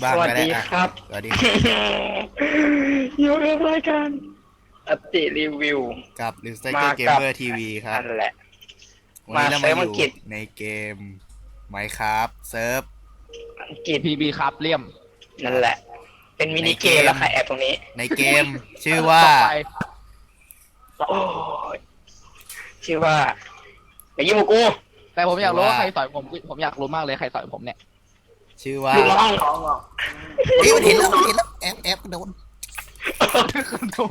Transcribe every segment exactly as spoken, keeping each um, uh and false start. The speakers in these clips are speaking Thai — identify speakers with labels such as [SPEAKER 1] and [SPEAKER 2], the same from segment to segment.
[SPEAKER 1] บ้างก็ได้อ่ะ
[SPEAKER 2] ครับ
[SPEAKER 1] สวัสดี
[SPEAKER 2] อยู่กับรายการอติรีวิว
[SPEAKER 1] กับลิสเตอ
[SPEAKER 2] มา
[SPEAKER 1] ร์เกม
[SPEAKER 2] กับ
[SPEAKER 1] เมอร์ทีวีครับ
[SPEAKER 2] นั่นแหละ
[SPEAKER 1] วันนี้เรามาอยู่
[SPEAKER 2] มาเซิร์ฟอังกฤษ
[SPEAKER 1] ในเกม Minecraft เซิร์ฟ
[SPEAKER 2] อังกฤษ
[SPEAKER 3] พีบีครับเลี่ยม
[SPEAKER 2] นั่นแหละ เป็นมินิเกมแล้วใครแอบตรงนี้
[SPEAKER 1] ในเกม ชื่อว่า
[SPEAKER 3] ต่อไป
[SPEAKER 2] โอ้ยชื่อว่าอย่ายุ่งกับกู
[SPEAKER 3] แต่ผมอยากรู้ว่า
[SPEAKER 1] ว่า
[SPEAKER 3] ใครต่อยผมผมอยากรู้มากเลยใครต่อยผมเนี่ย
[SPEAKER 1] ชื่อว่า
[SPEAKER 2] ลูกน้อง
[SPEAKER 1] เฮ้ยมันเห็นแล้วมันเห็นแล้วแอบแอบโดน
[SPEAKER 3] คุณดู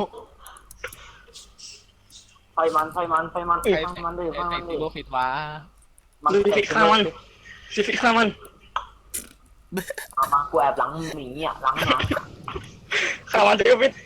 [SPEAKER 4] ไฟมันไฟมันไฟมัน
[SPEAKER 3] ใคร
[SPEAKER 4] ไฟมันดิไฟ
[SPEAKER 3] ใคร
[SPEAKER 4] มันดิ
[SPEAKER 3] ติดโลฟิตว้า
[SPEAKER 4] มัน
[SPEAKER 2] ดูฟิกข้ามันซิฟิกข้ามัน
[SPEAKER 4] มามากูแอบหลังหมีอ่ะหลังหมา
[SPEAKER 2] ข้ามันซิฟิก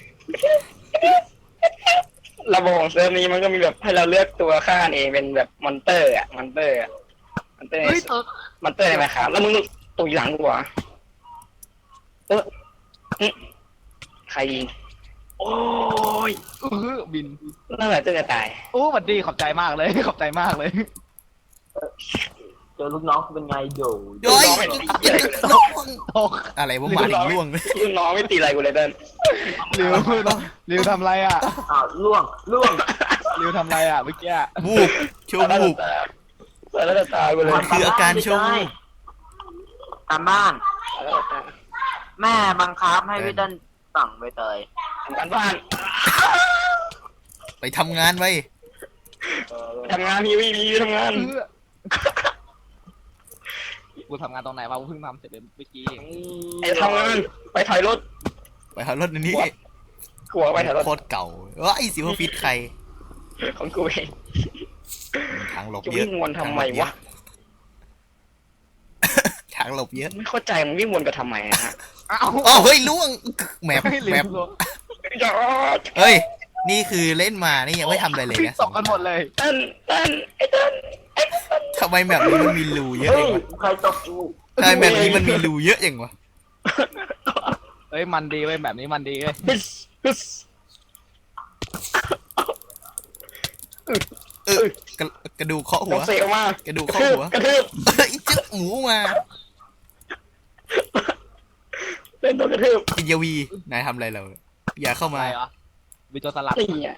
[SPEAKER 2] ระบบของเซิร์ฟนี้มันก็มีแบบให้เราเลือกตัวฆ่าเองเป็นแบบมอนเตอร์อะมอนเตอร์อะมอนเตอร์
[SPEAKER 3] เฮ้ยเออ
[SPEAKER 2] มอนเตอร์ได้ไหมครับแล้วมึงตุยหลังกูเหรอเอออื้อใครยิงโอ้ย
[SPEAKER 3] เออบิน
[SPEAKER 2] นั่นแหละจะตาย
[SPEAKER 3] โอ้หวัดดีขอบใจมากเลยขอบใจมากเลย
[SPEAKER 4] เจอลูกน้องเป็นไงโด
[SPEAKER 1] โอ้ย
[SPEAKER 2] น้อง
[SPEAKER 3] โอ้
[SPEAKER 1] อะไรวะมาถึงล่วงเลย
[SPEAKER 2] ลูกน้องไม่ตีอะไรกูเลยเดิน
[SPEAKER 3] ริวริวทำไรอ่ะ
[SPEAKER 4] อ้าวล่วงล่วง
[SPEAKER 3] ริวทำไรอ่ะเมื่อกี้
[SPEAKER 1] บูบโชว์บูบ
[SPEAKER 2] แล้วจะตายกูเลย
[SPEAKER 1] มันคืออาการโชว์
[SPEAKER 4] ตามบ้าน
[SPEAKER 2] แล้วจะตาย
[SPEAKER 4] แม่บังคับให้พี่เต้นสั่งใบเตย
[SPEAKER 2] ทำการบ้าน
[SPEAKER 1] ไปทำงานไว้
[SPEAKER 2] ทำงานพี่พี่พี่ทำงาน
[SPEAKER 3] เออกูทำงานตรงไหนวะกูเพิ่งทำเสร็จเมื่อกี้
[SPEAKER 2] ไอ้ทำงานไปถอยรถ
[SPEAKER 1] ไปหารถอันนี้
[SPEAKER 2] หัวไปถอยรถ
[SPEAKER 1] โคตรเก่าว้ายสิว่าฟิตใคร
[SPEAKER 2] ของกูเอง
[SPEAKER 1] ทางหลบ
[SPEAKER 2] จะ
[SPEAKER 1] เย
[SPEAKER 2] วิ่
[SPEAKER 1] อะ
[SPEAKER 2] งวนทำไมวะ
[SPEAKER 1] ทางหลบเยอะ
[SPEAKER 2] ไม่เข้าใจมันวิ่งวนกันทำไมนะฮะ
[SPEAKER 3] อ้าว
[SPEAKER 1] อ๋อเฮ้ยล่วงแมป
[SPEAKER 3] ให้ริ
[SPEAKER 1] แม
[SPEAKER 3] ว
[SPEAKER 1] ป
[SPEAKER 3] ลง
[SPEAKER 2] อย่า
[SPEAKER 1] เฮ้ยนี่คือเล่นมานี่ยังไม่ทำอะไรเลย
[SPEAKER 3] พี่
[SPEAKER 1] นะ
[SPEAKER 3] ตกกันหมดเลย
[SPEAKER 2] เต้นเต้นไอ้เต้นไอ้เต้น
[SPEAKER 1] ทำไมแมปนี้มันมีรูเยอะ
[SPEAKER 4] เฮ้
[SPEAKER 1] เอย งวะ
[SPEAKER 4] ใครตบกู
[SPEAKER 1] ทำไมแมปนี้มันมีรูเยอะอย่างวะ
[SPEAKER 3] เฮ้ยมันดีเว้ยแบบนี้มันดีเว้ย
[SPEAKER 2] ฮึสฮึส
[SPEAKER 1] เออกระกระดูกเคาะหั
[SPEAKER 2] น้อ
[SPEAKER 1] ว
[SPEAKER 2] งเซลมาก
[SPEAKER 1] ระดูก
[SPEAKER 2] กระ
[SPEAKER 1] เคาะ
[SPEAKER 2] ทืบ
[SPEAKER 1] หัว
[SPEAKER 2] กระทืบ
[SPEAKER 1] เฮ้ยจึ๊กหมูมา
[SPEAKER 2] เล่นตัวกระทืบ
[SPEAKER 1] ปิยวีนายทำอะไรเราอย่าเข้า
[SPEAKER 3] อะ
[SPEAKER 1] มา
[SPEAKER 3] ไรเหรอวิจารสลัด
[SPEAKER 2] นี่อ่ะ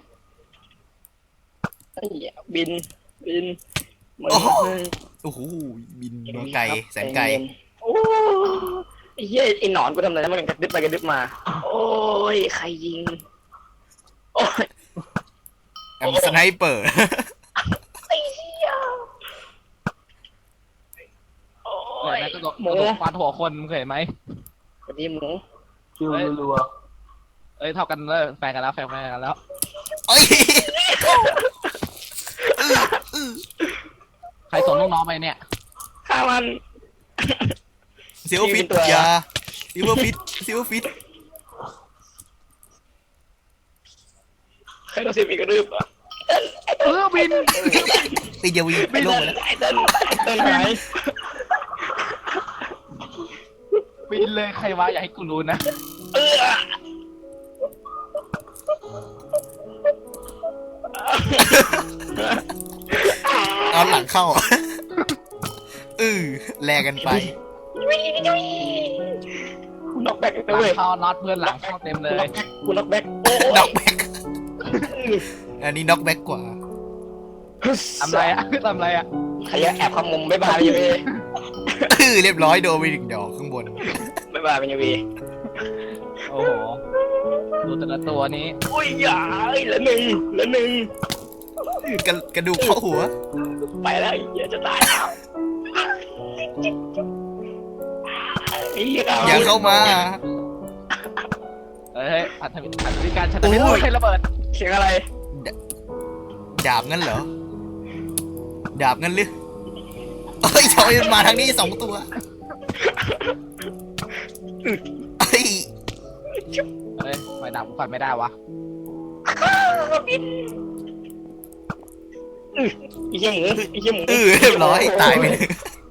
[SPEAKER 2] นี่อ่ะบินบินเหมือน
[SPEAKER 1] โอ้โห
[SPEAKER 2] เลย
[SPEAKER 1] โอ้โหบินมาไกลแสนไกล
[SPEAKER 2] โอ้ไอ้เหี้ยไอ้หนอนกูทำอะไรนะมันกระดึบไปกระดึบมา โอ้ยใครยิงโอ้ย
[SPEAKER 1] แอมสไนเปอร์
[SPEAKER 2] ไอ้เหี้ยโอ้
[SPEAKER 3] เดี๋ยวย นะกระโดด
[SPEAKER 2] ห
[SPEAKER 3] ก
[SPEAKER 2] มู
[SPEAKER 3] ระโดดฟาดหัวคนมึงเคยเห็นไหม
[SPEAKER 2] สวัสดีหมู
[SPEAKER 4] คิวรัว
[SPEAKER 3] เอ้ยเท่ากันเลยแฟนกันแล้วแฟนกันแล้ว
[SPEAKER 1] เอ้ย
[SPEAKER 3] ใครส่งลูกน้องไปเนี่ย
[SPEAKER 2] ฆ่ามัน
[SPEAKER 1] เซลฟิต
[SPEAKER 2] ตัว
[SPEAKER 1] อยาซิลเวอร์ฟิตซิลเวอร์ฟิต
[SPEAKER 2] ใครต้องเสียบอีกกระดึบอ่ะ
[SPEAKER 3] เออบิน
[SPEAKER 1] ปิยวี
[SPEAKER 2] ไม่
[SPEAKER 1] ล
[SPEAKER 2] เต้
[SPEAKER 1] ง
[SPEAKER 2] น
[SPEAKER 1] ไปแล้ว
[SPEAKER 2] ไอ้เต้นไอ้เต้นหาย
[SPEAKER 3] บินเลยใครวะอย่าให้กูรู้นะ
[SPEAKER 2] เออ
[SPEAKER 1] เอาหลังเข้าอือแลกันไป
[SPEAKER 2] คุณน็อกแบ็ก
[SPEAKER 3] ห
[SPEAKER 2] นะ
[SPEAKER 3] ลัง
[SPEAKER 2] เว้ย
[SPEAKER 3] เข้าน็อตเพื่อนหลังเข้าเต็มเลย
[SPEAKER 2] คุณน็อกแบ็กโอ้
[SPEAKER 1] น็อกแบ็กอันนี้น็อกแบ็กกว่า
[SPEAKER 3] ทำไรอ่ะทำไรอ่ะ
[SPEAKER 2] ใครแอบขมุมบ๊ายบายยังไง
[SPEAKER 1] อือเรียบร้อยโดนไปหนึ่งดอกข้างบน
[SPEAKER 2] บ๊ายบายเป็นยังไง
[SPEAKER 3] โอ้โหดูแต่ละตัวนี้
[SPEAKER 2] โอ้ยอย่าเอ้ยเหลือหนึ่งเหลือหนึ่ง
[SPEAKER 1] กระกระดูกเข้าหัว
[SPEAKER 2] ไปแล้วอย่าจะตายแล้วไอ้เหี้ย
[SPEAKER 1] อย่าเข้ามา
[SPEAKER 3] เอ้ยอัธวิอัธวิการชันวิทย์ใช้ระเบิด
[SPEAKER 2] เสียงอะไร
[SPEAKER 1] ดาบงั้นเหรอ ดาบงั้นหรือเอ้ยชอยมาทางนี้สองตัวเอ้ย
[SPEAKER 3] เฮ้ยไม่ดับกูฟันไม่ได้วะ
[SPEAKER 2] บินไอ้เหี้ยหมูไอ้เหี้ยหมู
[SPEAKER 1] เออเรียบร้อยตายไปหนึ่ง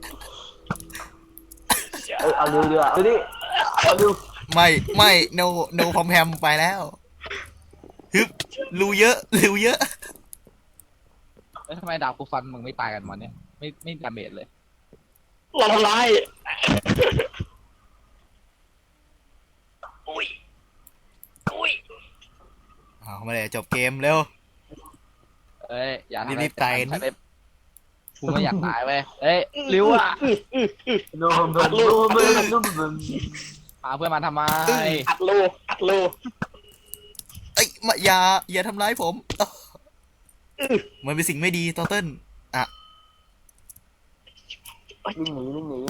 [SPEAKER 4] เอ้ยเอาเรือเรือเอาดิเอาดู
[SPEAKER 1] ไม่ไม่โนโนพอมแพมไปแล้วฮึบรูเยอะรูเยอะ
[SPEAKER 3] เฮ้ยทำไมดาบกูฟันมึงไม่ตายกันวันเนี้ยไม่ไม่ดาเมจเลย
[SPEAKER 2] เราทำร้าย
[SPEAKER 1] เมื่อไหร่จะจบเกมเร็ว
[SPEAKER 3] เอ้ยอย่าทำอะไร
[SPEAKER 1] รีบๆตาย
[SPEAKER 3] ใช้เว็บกูไม่อยากตายเว้ยเอ้ยริ้วอ่ะ
[SPEAKER 4] โดนโดนโดนโดนโดนโดน
[SPEAKER 3] พาเพื่อนมาทำไม
[SPEAKER 2] อัดรูอัดรู
[SPEAKER 1] เอ้ยมาอย่าอย่าทำร้ายผมอ้าวมันเป็นสิ่งไม่ดีตอเติ้ลอ่ะ
[SPEAKER 4] วิ่งหนีวิ่งหนี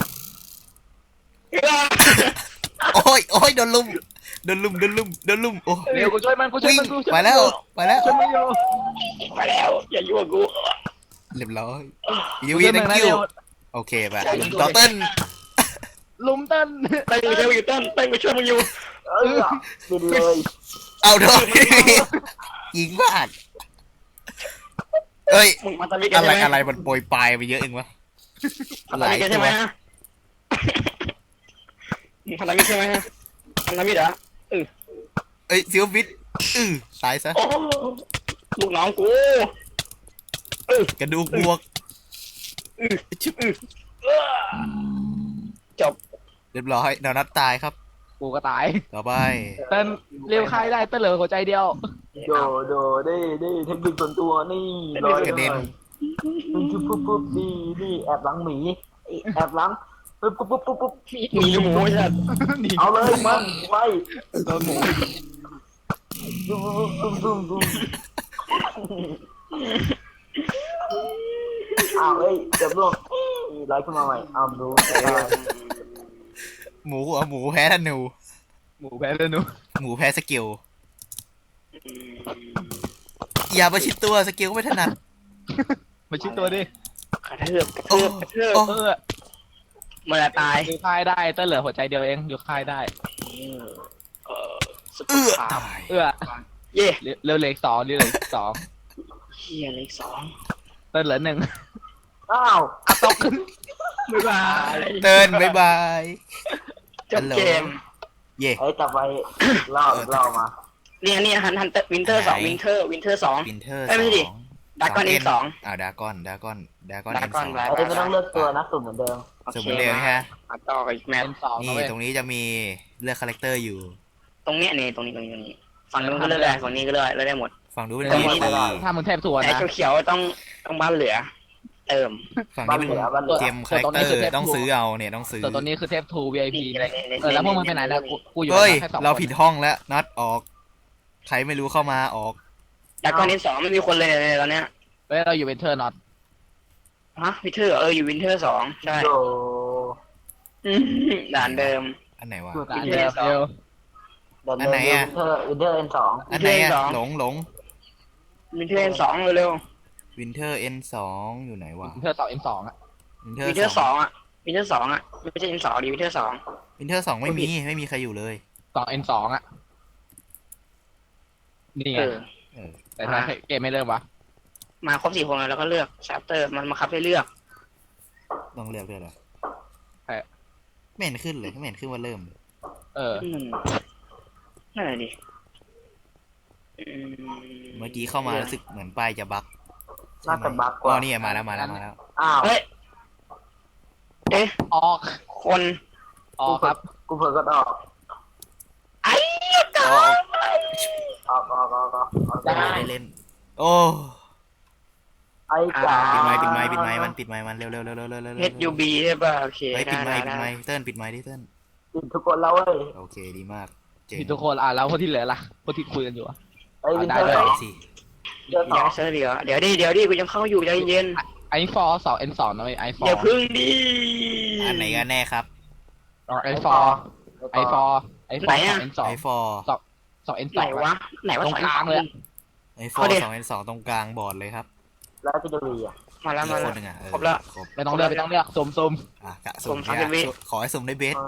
[SPEAKER 1] โอ้ยโอ้ยโดนลุมโดนลุมโดนลุมโดนลุมโอ้
[SPEAKER 3] เร็วกูช่วยมันกูช่วย
[SPEAKER 1] วิ่ง
[SPEAKER 3] มันกูช่วย
[SPEAKER 1] ไป
[SPEAKER 3] มัน
[SPEAKER 1] แล้วไปแล้ว
[SPEAKER 3] ช่วยมันอยู่
[SPEAKER 2] ไปแล้วอย่ายุ่งกับกู
[SPEAKER 1] เรียบร้อยยูวี thank you โอเคไปตอเติ้ล
[SPEAKER 3] ลุมเต้น
[SPEAKER 2] เต้นไปช่วยมึงอยู่เต้นเต้นไปช่วยมึงอยู่
[SPEAKER 4] เออบินเลย
[SPEAKER 1] เอาโดนยิงพลาดเอ้ย
[SPEAKER 2] มึงมาตามิกัน
[SPEAKER 1] อะไร
[SPEAKER 2] ใช่ไหม
[SPEAKER 1] อะไรมันโปรยปลายไปเยอะเองวะ
[SPEAKER 2] พันธมิตรกันใช่ไหมฮะมึงพันธมิตรใช่ไหมฮะพันธมิตรเหรอ
[SPEAKER 1] เอ้ยซิลฟิตอือตายซะ
[SPEAKER 2] โอ้ลูกน้องกู
[SPEAKER 1] กระดูกบวกชึบ
[SPEAKER 2] จบ
[SPEAKER 1] เรียบร้อยดาวนัดตายครับ
[SPEAKER 3] กูก็ตาย
[SPEAKER 1] ต่อไป
[SPEAKER 3] เต้นเร็วใครได้เต้นเหลือหัวใจเดียว
[SPEAKER 4] โดโดได้ได้เทคนิคส่วนตัวนี่ลอยกันเลยปุ๊บปุ๊บปุ๊บนี่นี่แอบหลังหมีแอบหลังปุ๊บปุ๊บปุ๊บปุ๊บปุ๊บ
[SPEAKER 2] มีหมูใช่ไหม
[SPEAKER 4] เอาเลยมันไว้
[SPEAKER 3] โดนหมู
[SPEAKER 4] ดุ้มดุ้มดุ้มดุ้มอ้าวเอ้ยเจ็บร่วงไล่ขึ้นมาใหม่อ้าวดู
[SPEAKER 1] หมูเหรอหมูแพ้ธนู
[SPEAKER 3] หมูแพ้เลยหนู
[SPEAKER 1] หมูแพ้สกิลอย่าประชิดตัวสกิลก็ไม่ถนัด
[SPEAKER 3] มาชิดตัวดิ
[SPEAKER 2] กระเทือบกระ
[SPEAKER 1] โอ้
[SPEAKER 2] เทือบกระเทือบ
[SPEAKER 1] โอ้
[SPEAKER 3] เออ
[SPEAKER 2] เมื่อตาย
[SPEAKER 3] อยู่ค่ายได้เต้นเหลือหัวใจเดียวเองอยู่ค่ายได้
[SPEAKER 2] เออสุ
[SPEAKER 1] เอื้อ
[SPEAKER 2] ขา
[SPEAKER 1] ตาย
[SPEAKER 3] เออ
[SPEAKER 2] เย่
[SPEAKER 3] เร็วเหล็กสองเร็วเหล็กสอง
[SPEAKER 2] เฮียเลขสอง
[SPEAKER 3] เต้นเหลือหนึ่ง
[SPEAKER 4] อ้าว
[SPEAKER 3] อะตกขึ้น
[SPEAKER 2] บ๊ายบาย
[SPEAKER 1] เตือนบายบาย
[SPEAKER 2] จบเกม
[SPEAKER 1] เย่
[SPEAKER 4] ไอ้ต่อไปเล่าเล่ามา
[SPEAKER 2] เนี่ยเนี่ยฮันฮันเตอร์วินเทอร์สองวินเทอร์วินเทอร์สอง
[SPEAKER 1] วินเทอร์
[SPEAKER 2] เอ้ยไม่ใช่ดิ ดากอนเอ็นสอง
[SPEAKER 1] อ่าดากอนดากอนดากอน
[SPEAKER 2] ดา
[SPEAKER 1] เอ็น
[SPEAKER 2] ก
[SPEAKER 1] ส
[SPEAKER 2] อ
[SPEAKER 1] อน ง
[SPEAKER 2] ไว้
[SPEAKER 4] ไอ้ไม่ต้องเลือกตัวนะสุ่มเหมือนเดิม
[SPEAKER 1] สมมติเร็วนะฮะ
[SPEAKER 2] มาต่อกับอีกแมตช์
[SPEAKER 3] เป็นสอง
[SPEAKER 1] นี่
[SPEAKER 3] นะเว้ย
[SPEAKER 1] ตรงนี้จะมีเลือกคาแรคเตอร์อยู่
[SPEAKER 2] ตรงเนี้ยนี่ตรงนี้ตรงนี้ตรงนี้ฝั่งนู้นก็เลือกได้ฝั่งนี้ก็เลือกเลือกได้หมด
[SPEAKER 1] ฝั่งนู้นเป็น
[SPEAKER 2] ตรง
[SPEAKER 1] มี
[SPEAKER 2] นี้
[SPEAKER 1] ดี
[SPEAKER 3] ถ้ามึงเทพทวน
[SPEAKER 2] แต่
[SPEAKER 3] นะ
[SPEAKER 2] เขียวๆต้องต้องบ้านเหลือ เติม
[SPEAKER 1] ฝั่งนี้เป็น
[SPEAKER 4] บ้านเหลือบ้านเหลือ
[SPEAKER 1] เกมคาแรคเตอร์ต้องซื้อเอาเนี่ยต้องซื้อ
[SPEAKER 3] ตัวตัวนี้คือเทพทู วี ไอ พี
[SPEAKER 2] นี่อะไรเนี่ย
[SPEAKER 3] เออแล้วพวกมึงไปไหนแล้วกูกูอยู่
[SPEAKER 1] เฮ้ย
[SPEAKER 3] แค่สองคน
[SPEAKER 1] เราผิดห้องแล้วนัดออก ใครไม่รู้เข้ามาออก
[SPEAKER 2] ดากอนเอ็นสองไม่มีคนเลยเลยตอนเนี้ย
[SPEAKER 3] เฮ้ยเราอยู่เป็นเทอร์น็อต
[SPEAKER 2] ฮะวินเทอร์เอออยู่วินเทอร์สองใช่
[SPEAKER 4] โด
[SPEAKER 2] อืมด่านเดิม
[SPEAKER 1] อันไหนวะ
[SPEAKER 3] ร้านเดิมเร็ว
[SPEAKER 4] เดิน
[SPEAKER 1] อันไหน
[SPEAKER 4] เดิน
[SPEAKER 1] อะ
[SPEAKER 4] วินเทอร์วินเทอร์เอ็นสอง
[SPEAKER 1] อันไหน
[SPEAKER 2] Winter
[SPEAKER 1] อะ
[SPEAKER 2] สอง
[SPEAKER 1] หลงหลง
[SPEAKER 2] วินเทอร์เอ็นสองเร็ว
[SPEAKER 1] วินเทอร์เอ็นสองอยู่ไหนวะ
[SPEAKER 3] เทอร์สองเอ็มสองอ่ะ
[SPEAKER 1] วินเท
[SPEAKER 2] ๆ
[SPEAKER 1] อ
[SPEAKER 2] วินเทอ
[SPEAKER 1] ร์
[SPEAKER 2] ร์
[SPEAKER 1] ส
[SPEAKER 2] ส
[SPEAKER 1] อ
[SPEAKER 2] อง งอ่ะวินเทอร์สองอ่ะไม่ใช่เอ็นสองดิวินเทอร์สอง
[SPEAKER 1] วินเทอร์สองไม่มีไม่มีใครอยู่เลย
[SPEAKER 3] สองเอ็มสองอ่ะนี่ไง
[SPEAKER 2] เออ
[SPEAKER 1] เออ
[SPEAKER 3] แต่ถ้าเกมไม่เริ่มวะ
[SPEAKER 2] มาครบสี่คนแล้วก็เลือกชาร์เตอร์มันมาคับให้เลือก
[SPEAKER 1] ต้องเลือกด้วยเหรอไม่เห็นขึ้นเลยไม่เห็นขึ้นว่าเริ่ม
[SPEAKER 3] เออ
[SPEAKER 2] อืมนั่นแหละดิอื
[SPEAKER 1] เมื่อกี้เข้ามารู้สึกเหมือนป้ายจะบั๊ก
[SPEAKER 4] น่าจะบักก
[SPEAKER 1] อ๋อ
[SPEAKER 4] ว่า
[SPEAKER 1] นี่ไงมาแล้วมาแล้วมาแล้ว
[SPEAKER 4] อ้าว
[SPEAKER 2] เฮ้ยเอ๊ะ
[SPEAKER 3] ออก
[SPEAKER 2] คน
[SPEAKER 3] ออกครับ
[SPEAKER 4] กูเผลอก็ออก
[SPEAKER 2] ไอ้กา
[SPEAKER 4] ออกออกออกออกออก
[SPEAKER 1] ได้ได้เล่น โอ้
[SPEAKER 4] ไอ้จ๋า
[SPEAKER 1] ปิดไม้ปิดไม้ปิดไม้มันปิดไม้มันเร็วเร็วเร็วเร็วเร็วเร็ว
[SPEAKER 2] เฮดยูบีใช่ป่ะโอเค
[SPEAKER 1] เฮ้ยปิ
[SPEAKER 2] ได้
[SPEAKER 1] ดไม้
[SPEAKER 2] ได้
[SPEAKER 1] ปิด
[SPEAKER 2] ได้
[SPEAKER 1] ไม้เติ้ลปิดไม้ดิเติ้ล
[SPEAKER 4] ปิดทุกคนแล้วเว้ย
[SPEAKER 1] โอเคดีมากเจ๋ง
[SPEAKER 3] ผิดทุกคนอ่ะแล้วพวกที่เหลือล่ะพวกที่คุยกันอยู่อะ
[SPEAKER 4] ไอ้วินเทอร์
[SPEAKER 3] ได้
[SPEAKER 4] ส
[SPEAKER 3] ด้
[SPEAKER 4] อ
[SPEAKER 3] วย
[SPEAKER 4] ง
[SPEAKER 1] สิ
[SPEAKER 4] เจอส
[SPEAKER 2] เดี๋
[SPEAKER 4] อ
[SPEAKER 2] ยว
[SPEAKER 4] ง
[SPEAKER 2] เซิร์ฟเดี๋ยวเดี๋ยวดิเดี๋ยวดิกูยังเข้าอยู่ใจเย็น
[SPEAKER 3] ไอฟอร์สองเอ็นสองนะเว้ยไอฟอ
[SPEAKER 2] อย่า
[SPEAKER 3] ร์
[SPEAKER 2] พึ่งดิ
[SPEAKER 1] อันไหนกันแน่ครับ
[SPEAKER 3] ไอฟอร์ไอฟอร์ไอฟอร์สองเอ็นสอง
[SPEAKER 1] ไอฟอร์
[SPEAKER 3] สองเอ็นส
[SPEAKER 2] ไหน
[SPEAKER 3] อง
[SPEAKER 2] วะไหนวะ
[SPEAKER 3] ตรงกลางเลยอะ
[SPEAKER 1] ไอฟอร์สองเอ็นสองตรงกลางบอร์ดเลยครับ
[SPEAKER 4] แล้วจะดีอ่ะ
[SPEAKER 2] มาแล้ว
[SPEAKER 1] อี
[SPEAKER 2] มาก
[SPEAKER 1] ค
[SPEAKER 2] แล้ว
[SPEAKER 1] นหนึ่งอ่ะเออ
[SPEAKER 2] ครบแล้ว
[SPEAKER 1] ครบ
[SPEAKER 3] ไม่ต้องเลือกไม่ต้องเลือกซุ่มซุ่ม
[SPEAKER 1] อ่ะกะสุ่ม
[SPEAKER 2] สุ่มสามสิบวิ
[SPEAKER 1] เนี่ยขอให้สุ่มได้เบส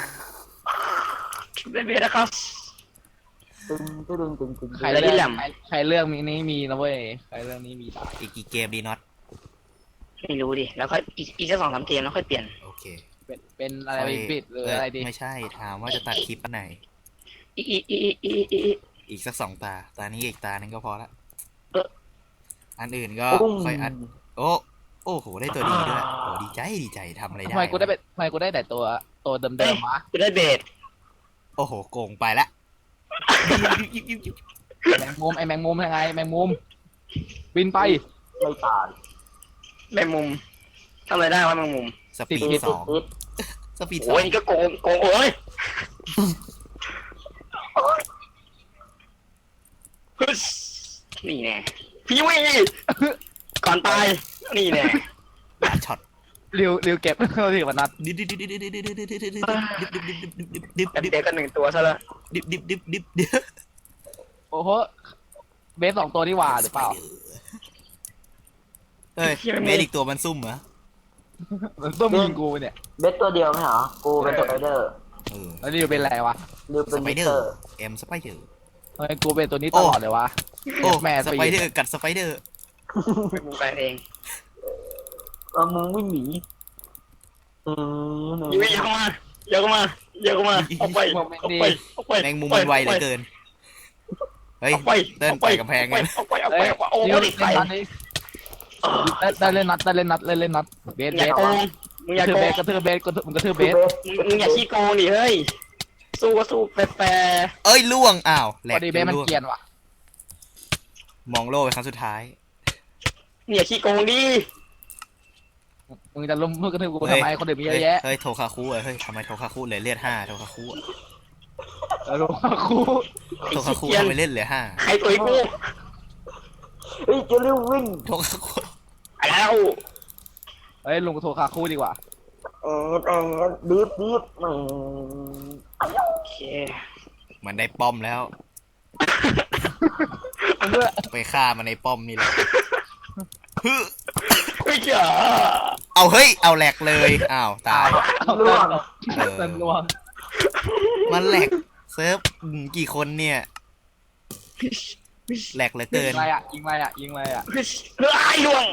[SPEAKER 2] เบเบนะครับ
[SPEAKER 4] ตึงตึงตึงตึง
[SPEAKER 3] ใคร
[SPEAKER 2] แล้ว
[SPEAKER 3] เลื
[SPEAKER 2] ที่
[SPEAKER 3] อก
[SPEAKER 2] แหลม
[SPEAKER 3] ใครใครเลือกมีนี้มีนะเว้ยใครเลือกนี้มีได้
[SPEAKER 1] อีกกี่เกมดีน็อต
[SPEAKER 2] ไม่รู้ดิแล้วค่อยอีกอีกสักสองสามเกมแล้วค่อยเปลี่ยน
[SPEAKER 1] โอเค
[SPEAKER 3] เป็นเป็นอะไรปิดหรืออะไรดี
[SPEAKER 1] ไม่ใช่ถามว่าจะตัดคลิปอันไหน
[SPEAKER 2] อีอีอีอีอีอีอี
[SPEAKER 1] อีกสักสองตา ตานี้อีกตานึงก็พอละ
[SPEAKER 2] เออ
[SPEAKER 1] อันอื่นก็ค่อยอัด โอ้ โอ้โห ได้ตัวดีด้วย โอ้ดีใจ ดีใจทำอะไรได้
[SPEAKER 3] ทำไมกูได้เป็นทำไมกูได้แต่ตัวตัวเดิมๆวะ
[SPEAKER 2] กูได้เบส
[SPEAKER 1] โอ้โห โกงไปละ
[SPEAKER 3] แมงมุมไอแมงมุมยังไงแมงมุมบินไป
[SPEAKER 4] ไม่ตาย
[SPEAKER 2] แมงมุมทำอะไรได้วะแมงมุม
[SPEAKER 1] สปีด
[SPEAKER 4] ติด
[SPEAKER 1] ส
[SPEAKER 4] ติ
[SPEAKER 1] อ
[SPEAKER 4] ด
[SPEAKER 1] ง
[SPEAKER 4] ติด
[SPEAKER 1] สปีดสอ
[SPEAKER 2] โอ้ย
[SPEAKER 1] ง
[SPEAKER 2] นี่ก็โกงโกงโอ้ยฮึสนี่แน่พี่วิก่อนตายนี่แน่
[SPEAKER 1] บาดช็อต
[SPEAKER 3] ริวริวเก็บเขาสิวันนัด
[SPEAKER 1] ดิบดิบดิบดิบดิบดิบดิบดิบดิบดิบดิบดิบ
[SPEAKER 2] แป๊บ
[SPEAKER 1] ดิบ
[SPEAKER 2] เดียวก็หนึ่งตัวซะแล้ว
[SPEAKER 1] ดิบดิบดิบดิบดิบ
[SPEAKER 3] โอ้โหเบสสองตัวนี่หว่าหรือเปล่า
[SPEAKER 1] เฮ้ยเมดอีกตัวมันซุ่มเหรอ
[SPEAKER 3] มันต้องยิงกูเนี่ย
[SPEAKER 4] เบสตัวเดียวไหมเหรอกูเป็นสไปเดอร์
[SPEAKER 1] เออ
[SPEAKER 3] แล้วริวเป็นอะไรวะ
[SPEAKER 4] หรือ
[SPEAKER 1] ส
[SPEAKER 4] เป็น
[SPEAKER 1] ไป
[SPEAKER 4] มิ
[SPEAKER 1] เดอ
[SPEAKER 4] เตอ
[SPEAKER 1] ร์
[SPEAKER 4] ร์
[SPEAKER 1] เอ็มสไปเดอร์
[SPEAKER 3] เฮ้ยกูเป็นตัวนี้ตลอดเลยวะ
[SPEAKER 1] โอ้
[SPEAKER 3] แม่
[SPEAKER 1] สไปเดอร์กัดสไปเดอร์
[SPEAKER 2] แมงมุมกันเอง
[SPEAKER 4] เออมึงไม่หนีอืม
[SPEAKER 2] พี่วิอย่าเข้ามาอย่าเข้ามาอย่าเข้ามาออกไปออกไปออกไป
[SPEAKER 1] แมงมุมมันไวเหลือเกินเฮ้ย
[SPEAKER 2] ออกไป
[SPEAKER 1] เต้นไปกำแพงกัน
[SPEAKER 2] ออกไปออกไป
[SPEAKER 3] เฮ้ย
[SPEAKER 2] ออกไปโอ้
[SPEAKER 3] ริว
[SPEAKER 2] ย
[SPEAKER 3] เล่น
[SPEAKER 2] ไข่
[SPEAKER 3] นัดนี้ได้เล่นนัดได้เล่นนัดเล่นเล่นนัดเบส
[SPEAKER 2] อ
[SPEAKER 3] เบ
[SPEAKER 2] ย่า
[SPEAKER 3] ส
[SPEAKER 2] โกงมึงอก
[SPEAKER 3] ระ
[SPEAKER 2] ย่า
[SPEAKER 3] ทืบ
[SPEAKER 2] โก
[SPEAKER 3] เบ
[SPEAKER 2] ง
[SPEAKER 3] สกระทืบเบสกระทืบมึงกระทืบเบ
[SPEAKER 4] คือ
[SPEAKER 3] ส
[SPEAKER 4] เบส
[SPEAKER 2] มึงมึงอย่าขี้โกงดิเฮ้ยสู้ก็สู้แปร
[SPEAKER 1] เอ้ยล่วงอ้าวแหล
[SPEAKER 3] พอก ดีเบสมัน
[SPEAKER 1] ล่วง
[SPEAKER 3] เกรียนว่ะ
[SPEAKER 1] มองโลกไปครั้งสุดท้าย
[SPEAKER 2] ๆเนี่ยขี้โกงดิ
[SPEAKER 3] มึงจะล้มมึงกระทืบกูทำไมคนเดือดมีเยอะแยะ
[SPEAKER 1] เฮ้ยโทคาคุเอ้ยเฮ้ยทำไมโทคาคุเหลือเลือดห้าโทคาคุ
[SPEAKER 3] เออครู
[SPEAKER 1] โทคาคุทำไมเล่นเหลือห้า
[SPEAKER 2] ใครตัวไอ้กู
[SPEAKER 4] เฮ้ยเจะเร็ววิ่ง
[SPEAKER 1] โทคาคุ
[SPEAKER 2] ไปแล้ว
[SPEAKER 3] เฮ้ยลุงกูโทรคาคู่ดีกว่า
[SPEAKER 4] เออเออดีบดีบอืม
[SPEAKER 2] โอเค
[SPEAKER 1] เหมือนได้ป้อมแล้ว
[SPEAKER 3] เพื่อ
[SPEAKER 1] ไปฆ่ามันในป้อมนี่แหละฮึ
[SPEAKER 2] ไม่เจ๋อ
[SPEAKER 1] เอาเฮ้ยเอาแหลกเลยอ้าวตาย
[SPEAKER 3] เอา
[SPEAKER 4] ล่วง
[SPEAKER 1] เออ
[SPEAKER 3] เต็มลวง
[SPEAKER 1] มันแหลกเซิร์ฟอืมกี่คนเนี่ยแหลกเหลือ
[SPEAKER 3] ยิ
[SPEAKER 1] เกิ
[SPEAKER 3] ง
[SPEAKER 1] น
[SPEAKER 3] อะไรอ่ะยิงอะไรอ่ะยิงอะไรอ่ะ
[SPEAKER 2] เฮ้ยไอ้ดวง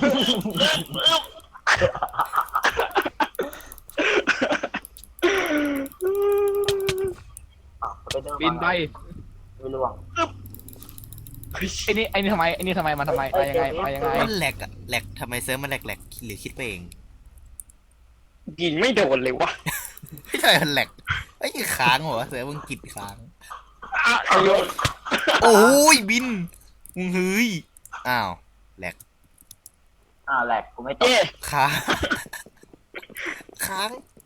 [SPEAKER 4] อ่ะสไปเดอร์
[SPEAKER 3] บินไป
[SPEAKER 4] ไม่ล่วง
[SPEAKER 3] ไอ้นี่ไอ้นี่ทำไมไอ้นี่ทำไมมันทำไมไปยังไงไปยังไง
[SPEAKER 1] มันแหลกอะแหลกทำไมเซิร์ฟมันแหลกแหลกหรือคิดไปเอง
[SPEAKER 2] ยิงไม่โดนเลยวะ
[SPEAKER 1] ไม่ใช่มันแหลกไอ้ยค้างเหรอเซิร์ฟมันกิดค้าง
[SPEAKER 2] อ่ะไอ้ดวง
[SPEAKER 1] โอ้ยบินมึงเฮ้ยอ้าวแหลก
[SPEAKER 4] อ่าแหลกกูไม่ตก
[SPEAKER 2] เอ๊ะ
[SPEAKER 1] ค้างค้าง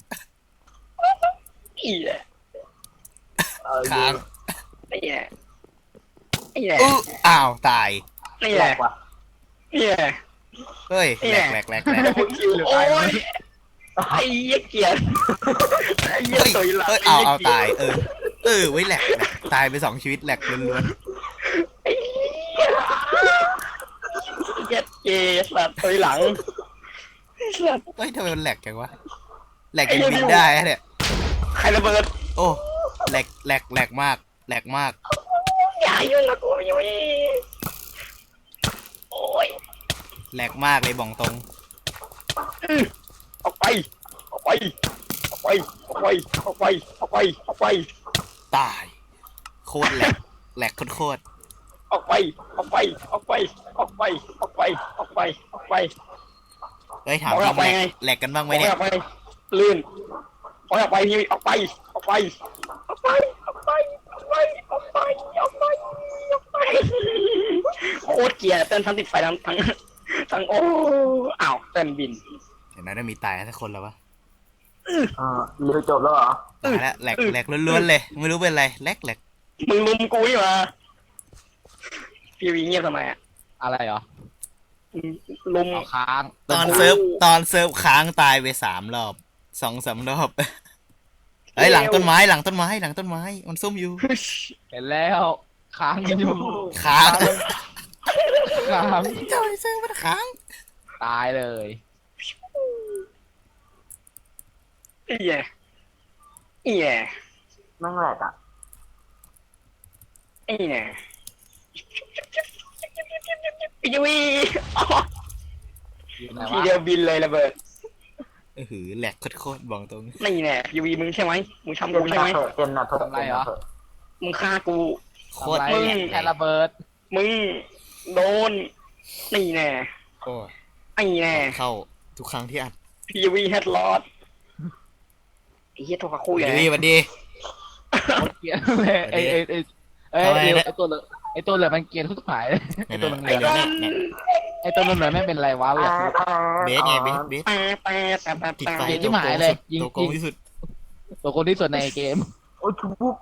[SPEAKER 2] อีแหละ
[SPEAKER 4] เออ
[SPEAKER 1] ค้าง
[SPEAKER 2] ไอ้แหละไอ้แหละ
[SPEAKER 1] เอออ้าวตาย
[SPEAKER 2] ไอ้
[SPEAKER 4] แห
[SPEAKER 2] แห
[SPEAKER 4] ล
[SPEAKER 2] ละ
[SPEAKER 4] กว่ะ
[SPEAKER 2] ไอ้แหละ
[SPEAKER 1] เฮ้ยแหลกแหลกแหลกแหลก
[SPEAKER 2] โอ้ยไอ้เหี้ยเกียร์ไอ้เหี้ย
[SPEAKER 1] เฮ้ย
[SPEAKER 2] ตัวหลัง
[SPEAKER 1] เฮ้ยเอาเอาตายเออเออไว้ยแหลกแหลกตายไปสองชีวิตแหลกล้วน
[SPEAKER 2] ไอ้เหี้ยเหี้ยเกียร์สัตว์ตัวหลังสัตว์
[SPEAKER 1] ๆเฮ้ยทำไมมันแหลกจังวะแหลกยังบินได้อะเนี่ย
[SPEAKER 2] ใครระเบิด
[SPEAKER 1] โอ้แหลกแหลกแหลกมากแหลกมาก
[SPEAKER 2] อย่ายุ่งกับกูอยู่นี่โอ้ย
[SPEAKER 1] แหลกมากเลยบอกตรง
[SPEAKER 2] อื้อออกไปออกไปออกไปออกไปออกไปออกไปออกไป
[SPEAKER 1] ตายโคตรแหลกแหลกโคตร
[SPEAKER 2] ออกไปออกไปออกไปออกไปออกไปออกไปออกไป
[SPEAKER 1] ๆเฮ้ยถามจริงแหลกแหลกกันบ้างไหม
[SPEAKER 2] อ
[SPEAKER 1] เนี่ย
[SPEAKER 2] อกไปลื่นออกไปพี่ออกไปออกไปออกไปออกไปออกไปออกไปออกไปออกไปโคตรเกลียดเต้นทั้งติดไฟทั้งทั้งทั้งโอ้อ้าวเต้นบิน
[SPEAKER 1] เห็นไหมได้มีตายสักคนแล้ววะ
[SPEAKER 4] เออเรือจบแล้วเหรอ
[SPEAKER 1] ตายแล้วแหลกแหลกล้วนๆเลยไม่รู้เป็นอะไรแหลกแหลก
[SPEAKER 2] มึงลุมกูนี่มาพี่วีเงียบทำไมอ่ะ
[SPEAKER 3] อะไรเหรอ
[SPEAKER 2] ลุม
[SPEAKER 3] เอาค้าง
[SPEAKER 1] ตอนเซิร์ฟตอนเซิร์ฟค้างตายไปสามรอบสองสามรอบเฮ้ยหลังต้นไม้หลังต้นไม้หลังต้นไม้มันซุ่มอยู่
[SPEAKER 3] เห็นแล้วค้างกันอยู่
[SPEAKER 1] ค้าง
[SPEAKER 3] ค้าง
[SPEAKER 1] จอยเซิร์ฟมันค้าง
[SPEAKER 3] ตายเลย
[SPEAKER 2] อีแย่อีแย่
[SPEAKER 4] นั่งแหลกอ่ะ
[SPEAKER 2] อีแย่พี่วี
[SPEAKER 3] อยู่ไหน
[SPEAKER 2] ที
[SPEAKER 3] วะ
[SPEAKER 2] เดียวบินเลยระเบิด
[SPEAKER 1] เออหือแหลกโคตรๆบอกตรง
[SPEAKER 2] นี่แน่พี่วีมึงใช่ไหมมึงทำ
[SPEAKER 4] เต็
[SPEAKER 2] กู
[SPEAKER 4] มห
[SPEAKER 2] ใช่
[SPEAKER 4] น้า
[SPEAKER 2] ไหม
[SPEAKER 4] เถอะเต็มหน้าเถอะเต็มหน้าเถอะ
[SPEAKER 2] มึงฆ่ากู
[SPEAKER 1] โคตร
[SPEAKER 3] ทำไร
[SPEAKER 1] แหลก
[SPEAKER 3] แค่ระเบิด
[SPEAKER 2] มึงโดนนี่แน่
[SPEAKER 1] โอ้ย
[SPEAKER 2] ไอ้แน่
[SPEAKER 1] เข้าทุกครั้งที่อัด
[SPEAKER 2] พี่วีแฮดลอดไอ้เหี้ยโทรคุย
[SPEAKER 1] ดี
[SPEAKER 2] ไง
[SPEAKER 1] ดีวันดี
[SPEAKER 3] เกลียดเลยไอ้ไอ้ไอ้ไอ้
[SPEAKER 1] ทำไม
[SPEAKER 3] ไอ้
[SPEAKER 1] เนี่ย
[SPEAKER 3] ไอ้ตัวเหลืองไอตัวเหลือมันเกรียนทุกฝ่ายไอ
[SPEAKER 1] เนี่ย
[SPEAKER 3] ตัว
[SPEAKER 1] นะ
[SPEAKER 3] เหลื
[SPEAKER 1] ไอ้
[SPEAKER 3] อ
[SPEAKER 1] เนี่ยเนี่ย
[SPEAKER 3] ไอตัวเหลือไม่เป็นไรวะอยาก
[SPEAKER 1] เบสไงเบสเบส
[SPEAKER 2] แปะแปะแปะแปะ
[SPEAKER 1] ติดไฟ
[SPEAKER 2] แปะ
[SPEAKER 3] ที่หมายเลยยิง
[SPEAKER 1] ตัวโกงที่สุด
[SPEAKER 3] ตัวคนที่สุดในเกม
[SPEAKER 4] โอ้ยชุบปุ๊บ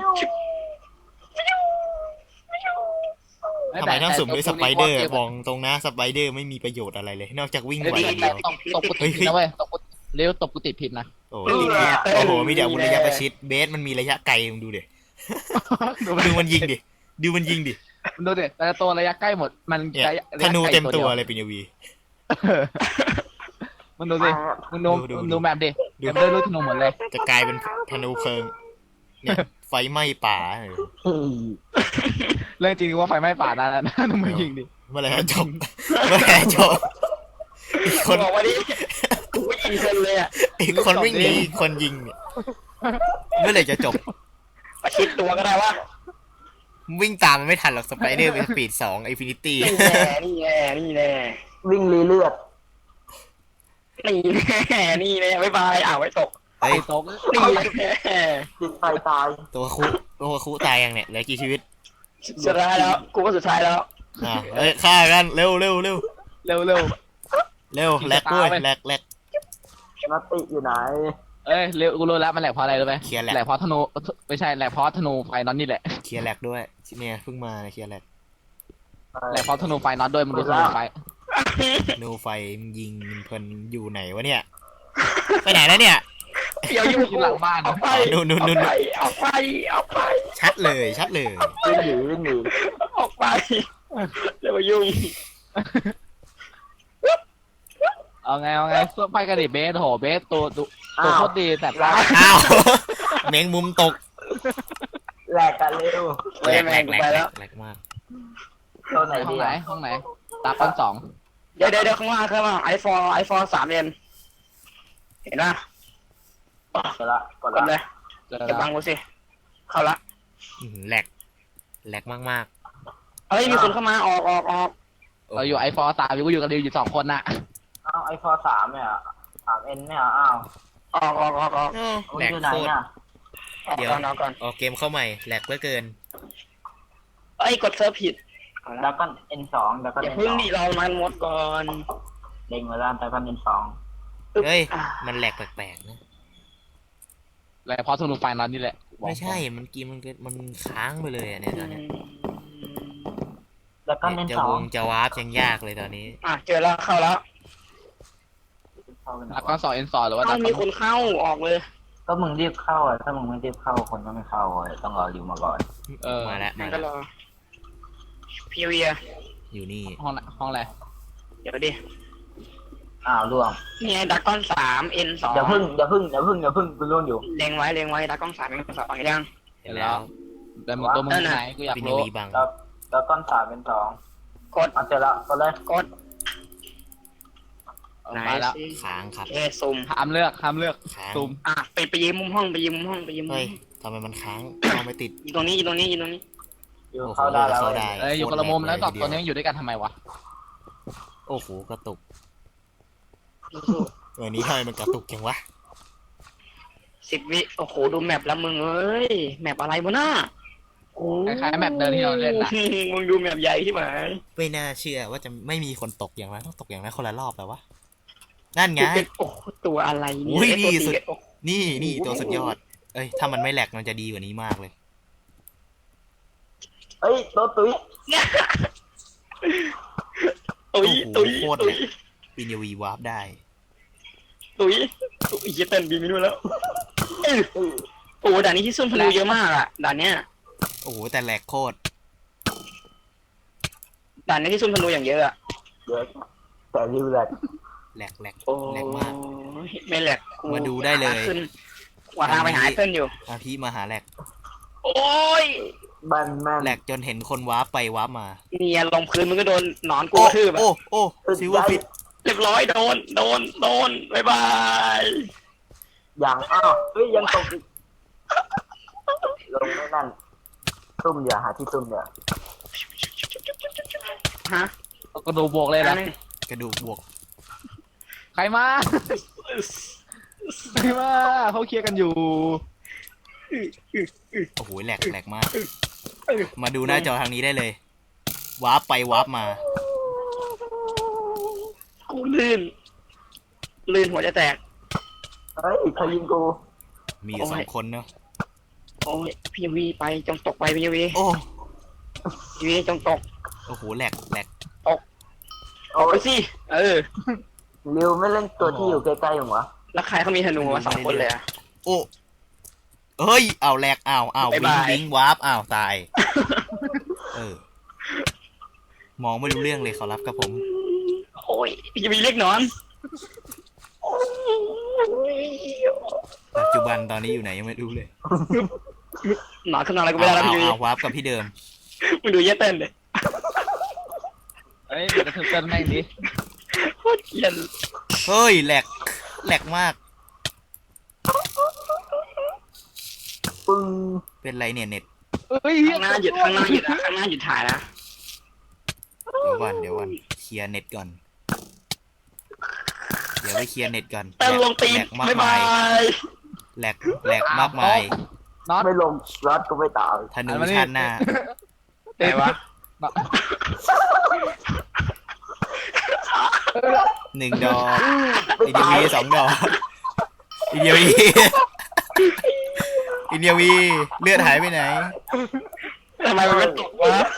[SPEAKER 1] ทำไมต้องสุ่มด้วยสไปเดอร์บอกตรงนะสไปเดอร์ไม่มีประโยชน์อะไรเลย นอกจากวิ่ง
[SPEAKER 3] เฮ้ย
[SPEAKER 1] ไวอย่างเดียว
[SPEAKER 3] ตบตบกูติดผิดนะเว้ยตบกูเร็วตบกูติดผิดนะ
[SPEAKER 1] โอ้โหโอ้โหมีแต่อาวุธระยะประชิดเบสมันมีระยะไกลมึงดูดิ
[SPEAKER 3] ดู
[SPEAKER 1] ดูมันยิงดิดูมันยิงดิ
[SPEAKER 3] ดูดิแต่ละตัวระยะใกล้หมดมัน
[SPEAKER 1] เนี่ย
[SPEAKER 3] ระยะ
[SPEAKER 1] ธนูเต็มตัว
[SPEAKER 3] ระยะไกล
[SPEAKER 1] เลยเป็นยวี
[SPEAKER 3] มันดูสิมึงดู
[SPEAKER 1] ดูดู
[SPEAKER 3] มึงดูแบบดิ
[SPEAKER 1] ดู
[SPEAKER 3] เต็มด้วยลูกธนูหมดเลย
[SPEAKER 1] จะกลายเป็นธนูเพลิงเนี่ยไฟไหม้ป่าเออ
[SPEAKER 4] เฮ้ย
[SPEAKER 3] เรื่องจริงว่าไฟไหม้ป่านั่นนะดูมึงยิงดิ
[SPEAKER 1] เมื่อไหร่จะจบเมื่อไหร่จะจบอีกคน
[SPEAKER 2] บอกว่าดิกูยิงคนเลยอ่ะ
[SPEAKER 1] อีกคนวิ่งหนีอีกคนยิงเนี่ยเมื่อไหร่จะจบ
[SPEAKER 2] ประชิดตัวก็ได้วะ
[SPEAKER 1] วิ่งตามมันไม่ทันหรอกสไปเดอร์เป็นสปีดสองไอฟินิตี้
[SPEAKER 2] นี่แน่นี่แน่นี่แน่
[SPEAKER 4] วิ่งรีเลือด
[SPEAKER 2] นี่แน่นี่แน่บ๊ายบายอ้าวไว้ตก
[SPEAKER 1] เฮ้ย
[SPEAKER 3] ตก
[SPEAKER 2] นี่แน่
[SPEAKER 4] ติดไฟตาย
[SPEAKER 1] ตัวคุตัวคุตายยังเนี่ยเหลือกี่ชีวิต
[SPEAKER 2] สุดท้ายแล้วกูก็สุดท้ายแล้ว
[SPEAKER 1] อ่าเฮ้ยฆ่ากันเร็วเร็วเร็ว
[SPEAKER 3] เร็วเร็ว
[SPEAKER 1] เร็วแลกด้วยแลกแลก
[SPEAKER 4] นัตติอยู่ไหน
[SPEAKER 3] เอ้ยเร็วกูรู้แล้วมันแหลกเพราะอะไรรู้ไหม
[SPEAKER 1] เคลียร์แหลก
[SPEAKER 3] แหลกเพราะธนูไม่ใช่แหลกเพราะธนูไฟน็อตนี่แหละ
[SPEAKER 1] เคลียร์แลกด้วยเนี่ยเพิ่งมาเคลียร์แลก
[SPEAKER 3] แหลกเพราะธนูไฟน็อตด้วยมันดูธนูไฟ
[SPEAKER 1] ธนูไฟมันยิงเพลินอยู่ไหนวะเนี่ยไปไหนแล้วเนี่ย
[SPEAKER 2] เดี๋ยวอยู่
[SPEAKER 3] อยู่หลังบ้าน
[SPEAKER 2] เอาไป
[SPEAKER 1] อ๋อนู่นนู่นนู่น
[SPEAKER 2] เอาไปเอาไป
[SPEAKER 1] ชัดเลยชัดเลย
[SPEAKER 4] วิ่งหนีวิ่งหนี
[SPEAKER 2] ออกไปเดี๋ยวมายุ่ง
[SPEAKER 3] เอาไงเอาไงสู้ไปกันดิเบสโหเบสตัวตัวตัวโคตรดีแต่ปลา
[SPEAKER 1] อ้าวแมงมุมตก
[SPEAKER 4] แหลกกันเร็ว
[SPEAKER 1] แหลกแหลกแหลกแหลกแหลกมาก
[SPEAKER 4] ตัวไหน
[SPEAKER 3] ห้อ
[SPEAKER 4] ดี
[SPEAKER 3] งไหน
[SPEAKER 4] อ่ะ
[SPEAKER 3] ห้องไหนตาปันสอง
[SPEAKER 2] เดี๋ยวเดี๋ยวเดี๋ยวข้างล่างข้างล่างไอโฟนไอโฟนสามเอ็นเห็นป่ะ
[SPEAKER 4] กดละกด
[SPEAKER 2] กดเล
[SPEAKER 4] ละ
[SPEAKER 2] ย
[SPEAKER 3] เจอ
[SPEAKER 2] เก็บ
[SPEAKER 3] แล้
[SPEAKER 2] บั
[SPEAKER 3] ว
[SPEAKER 2] งกูสิเข้าละ
[SPEAKER 1] อื้อหือแหลกแหลกมาก
[SPEAKER 2] เฮ้ยมีคนเข้ามาออกออกออก
[SPEAKER 1] ๆ
[SPEAKER 3] เราอยู่ไอฟอร์สามอยู่อยู่กันดิวอยู่สองคนน่ะ
[SPEAKER 4] อ้าวไอโฟนสามเนี่ยสามเอ็นเนี่ยอ้าว
[SPEAKER 2] ออกออกออกออก
[SPEAKER 1] อ้าว
[SPEAKER 4] คุณ
[SPEAKER 1] แหลก
[SPEAKER 4] อยู่ไหน
[SPEAKER 1] โคตร
[SPEAKER 4] อ่ะ
[SPEAKER 2] ออก
[SPEAKER 1] เดี๋ยว
[SPEAKER 2] ก่อนออกก่อน
[SPEAKER 1] ออกเกมเข้าใหม่แหลกเหลือเกิน
[SPEAKER 2] เอ้ยกดเซิร์ฟผิดเอาละ
[SPEAKER 4] ดับกันเอ็นสองดับกัน
[SPEAKER 2] อย่า
[SPEAKER 4] เอ็น
[SPEAKER 2] เพิ่
[SPEAKER 4] ส
[SPEAKER 2] ง
[SPEAKER 4] อง
[SPEAKER 2] ดิเรามันหมดก่อน
[SPEAKER 4] เด้งมาแล้วดับกันเอ็นสอง
[SPEAKER 2] ปึ๊บ
[SPEAKER 1] เฮ้ย
[SPEAKER 2] อ่ะ
[SPEAKER 1] มันแหลกแปลกๆนะ
[SPEAKER 3] แหลกเพราะธนูไฟน็อตนี่แหละบอก
[SPEAKER 1] ไม่ใช่มันกีมันก็มันค้างไปเลยอ่ะเนี่ยตอนเนี้ย
[SPEAKER 4] ดับกันเอ็น
[SPEAKER 1] จะ
[SPEAKER 4] สอ
[SPEAKER 1] ว
[SPEAKER 4] ง
[SPEAKER 1] งจะวาร์ปยังยากเลยตอนนี้
[SPEAKER 2] อ่ะเจอแล้วเข้าแล้ว
[SPEAKER 3] ดักก้อนสองเอ็นสองหรือว่าดั
[SPEAKER 2] ต้อก ง
[SPEAKER 3] ก้
[SPEAKER 2] มี
[SPEAKER 3] อน
[SPEAKER 2] คนเข้าออกเลย
[SPEAKER 4] ก็มึงรีบเข้าอ่ะถ้ามึงไม่รีบเข้าคนก็ไม่เข้าเลยต้องรอริวมาก่อน
[SPEAKER 3] เออ
[SPEAKER 1] มาแล้ว
[SPEAKER 2] นั่
[SPEAKER 1] มาน
[SPEAKER 2] ก็
[SPEAKER 1] แล้ว
[SPEAKER 2] รอพีเวีย
[SPEAKER 1] อยู่นี่
[SPEAKER 3] ห้องไหนห้องอะไร
[SPEAKER 2] เดี๋ยวดิ
[SPEAKER 4] อ้าวล่วง
[SPEAKER 2] นี่ไงดักก้อนสามเอ็นสอง
[SPEAKER 4] อย่าพึ่งอย่าพึ่งอย่าพึ่งอย่าพึ่งกูล่วงอยู่
[SPEAKER 2] เล็งไว้เล็งไว้ดักก้อนสามเอ็นสองยัง
[SPEAKER 1] เห็นแล้ว
[SPEAKER 3] แต่มึงตัวมึงที่ไหนกูอยาก
[SPEAKER 1] ปิน
[SPEAKER 3] รู้
[SPEAKER 1] วีบัง
[SPEAKER 4] แล้วแล้วก้อนสามเป็นสอง
[SPEAKER 2] กด
[SPEAKER 4] เอาเสร็จแล้วก็เลย
[SPEAKER 2] กด
[SPEAKER 3] เอามาแล้ว
[SPEAKER 2] สิ
[SPEAKER 1] ค้างครับ
[SPEAKER 2] เอซุ่ม
[SPEAKER 3] ห้ามเลือกห้ามเลือก
[SPEAKER 1] ค้าง
[SPEAKER 3] ซูม
[SPEAKER 2] อ่ะไปไปยืมมุมห้องไปยืมมุมห้องไปยืมมุม
[SPEAKER 1] เฮ้
[SPEAKER 2] ห้
[SPEAKER 1] ย
[SPEAKER 2] อง
[SPEAKER 1] ทำไมมันค้างเข้าไม่ติด
[SPEAKER 2] อยู่ตรงนี้อยู่ตรงนี้อยู่ตรงนี้
[SPEAKER 4] อยู่
[SPEAKER 1] โอ้โห
[SPEAKER 4] เข้าได้แล้ว
[SPEAKER 1] เข้าได้
[SPEAKER 3] เอ้ยอยู่คนละมุมแล้วสองตัวนี้อยู่ด้วยกันทำไมวะ
[SPEAKER 1] โอ้โหกระตุก
[SPEAKER 2] สู้
[SPEAKER 1] เออนี้ทำไมมันกระตุกจังวะ
[SPEAKER 2] ๆสิบวิโอ้โหดูแมปแล้วมึงเอ้ยแมปอะไรวะน่าโอ้
[SPEAKER 3] คล้ายๆแมปเดิมที่เราเล่นนะ
[SPEAKER 2] มึงดูแมปใหญ่ที่ไหน
[SPEAKER 1] ไม่น่าเชื่อว่าจะไม่มีคนตกอย่างไรต้องตกอย่างไรคนละรอบแล้ววะนั่นไง
[SPEAKER 2] โอ้โหตัวอะไรเนี่
[SPEAKER 1] อุ้ย
[SPEAKER 2] ไอ้ตัว
[SPEAKER 1] นี่สุด
[SPEAKER 2] ตีโอ้โห
[SPEAKER 1] นี่นี่ตัวสุดยอด เอ้ยถ้ามันไม่แหลกมันจะดีกว่านี้มากเลย
[SPEAKER 4] เอ้ยตัวตุ้ย
[SPEAKER 2] ตุย
[SPEAKER 1] โอ้
[SPEAKER 2] ตุ
[SPEAKER 1] โห
[SPEAKER 2] ย
[SPEAKER 1] โคตร
[SPEAKER 2] ตุ
[SPEAKER 1] แหล
[SPEAKER 2] ย
[SPEAKER 1] กปินยวีวาร์ปได้
[SPEAKER 2] ตุยตุยเหี้ยเต้นบีไม่รู้แล้วเอ้ยโอ้โหด่านนี้ที่ซุ่มพลูเยอะมากอะด่านเนี้ย
[SPEAKER 1] โอ้โหแต่แหลกโคตร
[SPEAKER 2] ด่านนี้ที่ซุ่มพลูอย่างเยอะอะ
[SPEAKER 4] เดี๋ยวแต่ริวแหลก
[SPEAKER 1] แหลกแหลก
[SPEAKER 2] โอ้
[SPEAKER 1] แหลกมาก
[SPEAKER 2] ไม่แหลกกู
[SPEAKER 1] มาดูได้เลย
[SPEAKER 2] หาขึ้นว่าทางไปหาไอ้เต้นอยู่
[SPEAKER 1] อาพี่มาหาแหลก
[SPEAKER 2] โอ้ย
[SPEAKER 4] บ้านแม่น
[SPEAKER 1] แหลกจนเห็นคนวาร์ปไปวาร์ปมา
[SPEAKER 2] เนี่ยลงพื้นมันก็โดนหนอนกู
[SPEAKER 1] โอ้
[SPEAKER 2] กระทืบอะ
[SPEAKER 1] โอ้โอ้ซิลเวอร์ฟิต
[SPEAKER 2] เรียบร้อยโดนโดนโดนบายบาย
[SPEAKER 4] อย่างอ้าวเฮ้ยยังตกอีกลงไม่นั่นซุ่มอย่าหาที่ซุ่มอย่า
[SPEAKER 2] ฮะ
[SPEAKER 3] ก็ดูบวกเลย
[SPEAKER 2] อั
[SPEAKER 3] นะ
[SPEAKER 2] นนี้
[SPEAKER 1] กระดูกบวก
[SPEAKER 3] ใครมาใครมาเขาเคลียร์กันอยู่
[SPEAKER 1] โอ้โหแหลกแหลกมากมาดูหน้าจอทางนี้ได้เลย วาร์ปไปวาร์ปมา
[SPEAKER 2] กูลื่นลื่นหัวจะแตก
[SPEAKER 4] เฮ้ยใครยิงกู
[SPEAKER 1] มีอยู่สองคนเนาะ
[SPEAKER 2] โอ้ยพี่วีไปจงตกไปพี่วี
[SPEAKER 1] โอ้
[SPEAKER 2] พี่วีจงตก
[SPEAKER 1] โอ้โหแหลกแหลก
[SPEAKER 2] ตกออกไปสิเออ
[SPEAKER 4] ริวไม่เล่นตัวที่อยู่ใกล้ๆหรอวะ
[SPEAKER 2] แล้วใครเขามีธนูมาสองคนเลยอะ
[SPEAKER 1] โอ้เฮ้ยอ้าวแหลกอ้าวอ้าว
[SPEAKER 2] บ๊าย
[SPEAKER 1] วิ
[SPEAKER 2] บาง ย
[SPEAKER 1] วิงวาร์ปอ้าวตาย เออ มองไม่รู้เรื่องเลยขอรับกับผม
[SPEAKER 2] โอ้ยพี่วีเรียกนอนโอ้ย
[SPEAKER 1] ปัจจุบันตอนนี้อยู่ไหนยังไม่รู้เลย
[SPEAKER 2] นอนขึ้นนอนอะไรก็
[SPEAKER 1] เอา
[SPEAKER 2] ไม่ได้แล้ว
[SPEAKER 1] เอา
[SPEAKER 2] พี่วี
[SPEAKER 1] เอาวาร์ปกับพี่เดิม
[SPEAKER 2] มึงดูเยเต้นเลย
[SPEAKER 3] เฮ้ยมันจะถึงเต้นแม่งดิ
[SPEAKER 2] โคตรเกลียด
[SPEAKER 1] เฮ้ยแหลกแหลกมาก
[SPEAKER 4] ปึ้ง
[SPEAKER 1] เป็นไรเนี่ยเน็ต
[SPEAKER 3] เฮ้ย
[SPEAKER 2] ข้างหน้าหยุดข้างหน้าหยุดนะข้างหน้าหยุดถ่ายนะ
[SPEAKER 1] เดี๋ยวก่อนเดี๋ยวก่อนเคลียร์เน็ตก่อน เดี๋ยวไปเคลียร์เน็ตก่อน
[SPEAKER 2] เต้นลงตีน
[SPEAKER 1] แหลกมาก
[SPEAKER 2] บ๊าย
[SPEAKER 1] มา
[SPEAKER 2] บาย ย
[SPEAKER 1] แหลกแหลกมากมาย
[SPEAKER 3] น็อต
[SPEAKER 4] ไม่ลงรัดก็ไม่ตาย
[SPEAKER 1] ธนูชาติหน้า
[SPEAKER 2] ไหนวะ
[SPEAKER 1] หนึ่งดอก
[SPEAKER 4] ไม่
[SPEAKER 1] อีเดีย
[SPEAKER 4] ตาย
[SPEAKER 1] วีสองดอกอีเดียวีอีเดียวีเลือดหายไปไหน
[SPEAKER 2] ทำไมมันไม่ตกวะ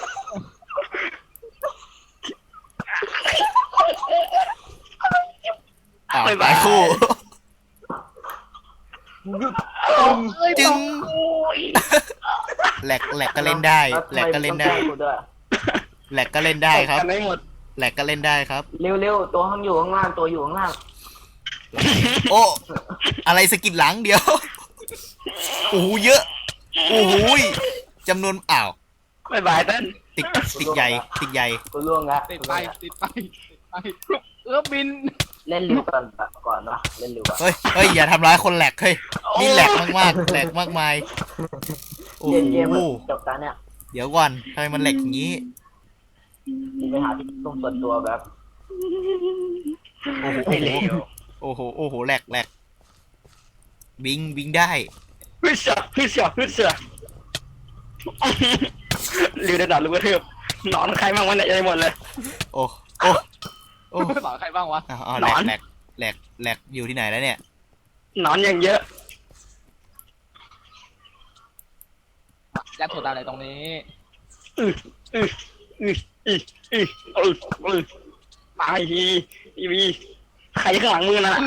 [SPEAKER 1] อ้าวตายคู่ จึงแหลกแหลกก็เล่นได้ แหลกก็เล่นได้
[SPEAKER 4] แล้วทำมต้องแกล้งกูด้วย
[SPEAKER 1] แหลกก็เล่นได้ครับ
[SPEAKER 2] กันได้หมด
[SPEAKER 1] แหลกก็เล่นได้ครับ
[SPEAKER 4] เร็วๆตัวข้างอยู่ข้างล่างตัวอยู่ข้างล่าง
[SPEAKER 1] โอ้อะไรสะกิดหลังเดียวโอ้โหเยอะโอ้โหจำนวนอ้าว
[SPEAKER 2] บ๊ายบายเต้น
[SPEAKER 1] ติดติดใหญ่ติดใหญ่
[SPEAKER 4] กูล่วงแล้ว
[SPEAKER 3] ติดไปติดไปติดไปเออบิน
[SPEAKER 4] เล่นเร็วก่อนก่อนนะเล่นเร็วก่อน
[SPEAKER 1] เฮ้ยเฮ้ยอย่าทำร้ายคนแหลกเฮ้ยนี่แหลกมากๆแหลกมากมายโอ้
[SPEAKER 4] เย็นเย็น
[SPEAKER 1] โห
[SPEAKER 4] จบตาเนี่ย
[SPEAKER 1] เดี๋ยวก่อนทำไมมันแหลกอย่างนี้
[SPEAKER 4] ไปหาที่ตรงส่วนตัวแบบ
[SPEAKER 1] โอ้โห
[SPEAKER 2] ไม่เลว
[SPEAKER 1] โอ้โหโอ้โหแหลกแหลกบิงบิงได้
[SPEAKER 2] ฮึเสือฮึเสือฮึเสือริวได้ดัดลูกกระเทือบนอนใครบ้างวันไหนได้หมดเลย
[SPEAKER 1] โอ้โอ้โอ้
[SPEAKER 3] สอนใครบ้างวะ
[SPEAKER 1] อ้าวอ้าวแหล
[SPEAKER 2] หน
[SPEAKER 1] ก
[SPEAKER 2] อน
[SPEAKER 1] แหลกแหลกแหลกอยู่ที่ไหนแล้วเนี่ย
[SPEAKER 2] นอนอย่างเยอะ
[SPEAKER 3] ยัดถั่วดำอะไรตรงนี้
[SPEAKER 2] อืออืออืออืออืออืออือตายทีทีวีใครข้างหลังมือน่ะ